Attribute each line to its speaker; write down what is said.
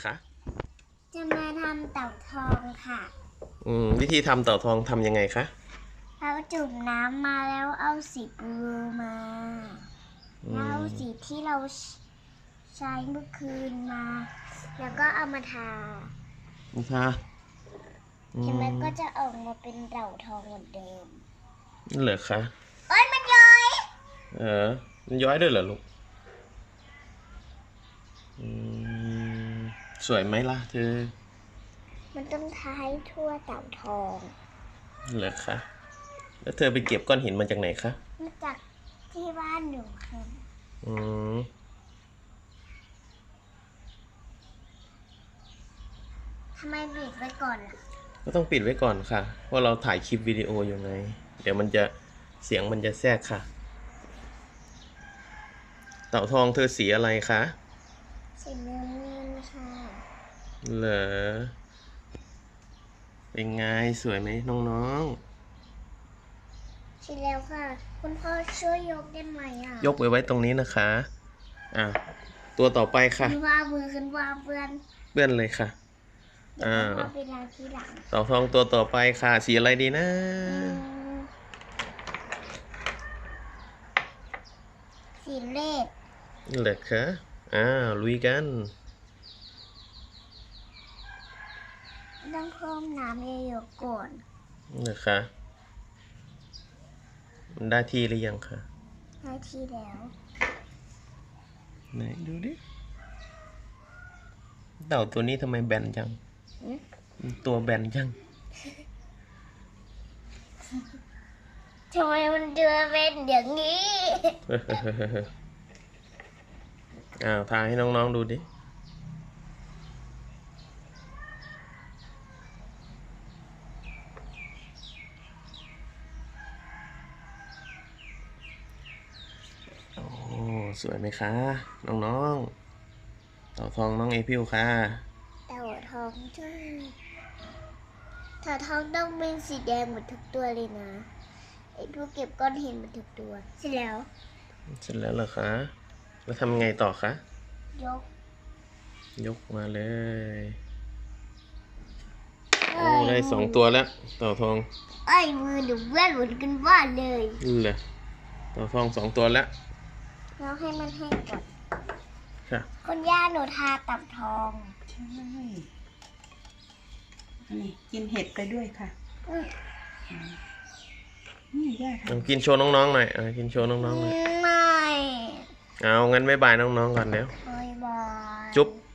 Speaker 1: คะ
Speaker 2: จะมาทำเต่าทองค่ะ
Speaker 1: วิธีทำเต่าทองทำยังไงคะ
Speaker 2: เราจุ่มน้ำมาแล้วเอาสีบลูมาแล้วเอาสีที่เราใช้เมื่อคืนมาแล้วก็เอามาทา
Speaker 1: นะคะ
Speaker 2: เห็นไหมก็จะออกมาเป็นเต่าทองเหมือนเดิม
Speaker 1: เหรอคะ
Speaker 2: เอ้ยมันย้อย
Speaker 1: มันย้อยด้วยเหรอลูกสวยไหมล่ะเธอ
Speaker 2: มันต้องทาให้ทั่วเต่าทอง
Speaker 1: เหรอคะแล้วเธอไปเก็บก้อนหินมาจากไหนคะ
Speaker 2: มาจากที่บ้านหนูค่ะทำไมปิดไว้ก่อนล่ะ
Speaker 1: ก็ต้องปิดไว้ก่อนค่ะเพราะเราถ่ายคลิปวิดีโออยู่ไงเดี๋ยวมันจะเสียงมันจะแทรกค่ะเต่าทองเธอสีอะไรคะ
Speaker 2: สีน้ำเงินค่ะ
Speaker 1: เหรอเป็นไงสวยไหมน้อง
Speaker 2: ๆสีแล้วค่ะคุณพ่อช่วยยกได้ไหม
Speaker 1: ยกไว้ตรงนี้นะคะตัวต่อไปค่ะ
Speaker 2: ขึ้นว่ามือขึ้นว่าเพื่อน
Speaker 1: เลยค่ะ
Speaker 2: เวลาที่หลัง
Speaker 1: เต่าทองตัวต่อไปค่ะสีอะไรดีนะ
Speaker 2: สีเลด
Speaker 1: เหลือคะลุยกัน
Speaker 2: ต้องเพิ่มน้ำเยอะๆก่อน
Speaker 1: เหลือคะมันได้ที่หรือยังคะ
Speaker 2: ได้ที่แล้ว
Speaker 1: ไหนดูดิเต่าตัวนี้ทำไมแบนจังตัวแบนจัง
Speaker 2: ทำไมมันเดือเป็นอย่างนี้
Speaker 1: ทาให้น้องๆดูดิโอ้สวยไหมคะน้องๆเต่าทองน้องเอพิวค่ะ
Speaker 2: เต่าทองใช่เต่าทองต้องเป็นสีแดงหมดทุกตัวเลยนะไอ้พวกเก็บก้อนหินหมดทุกตัวเสร็จแล้ว
Speaker 1: เหรอคะแล้วทำไงต่อคะ
Speaker 2: ยก
Speaker 1: มาเลยโอ้ได้2 ตัวแล้วเต่าทอง
Speaker 2: ไอ้มือหนูเบื่อหมุนกันบ้านเลย
Speaker 1: เหรอเต่าทอง2 ตัวแล้ว
Speaker 2: แล้วให้มันแห้งก่อน
Speaker 1: ค่ะ
Speaker 2: คุณย่าหนูทาเต่าทอง
Speaker 3: ใช่นี่กินเห็ดไปด้วยค่ะนี่ย่าทำ
Speaker 1: กินโชว์น้องๆหน่อยกินโชว์น้องๆหน่อย
Speaker 2: ไม่
Speaker 1: เอางั้นบ๊ายบายน้องๆก่อนเดี๋ยว
Speaker 2: บ๊ายบาย
Speaker 1: จุ๊บ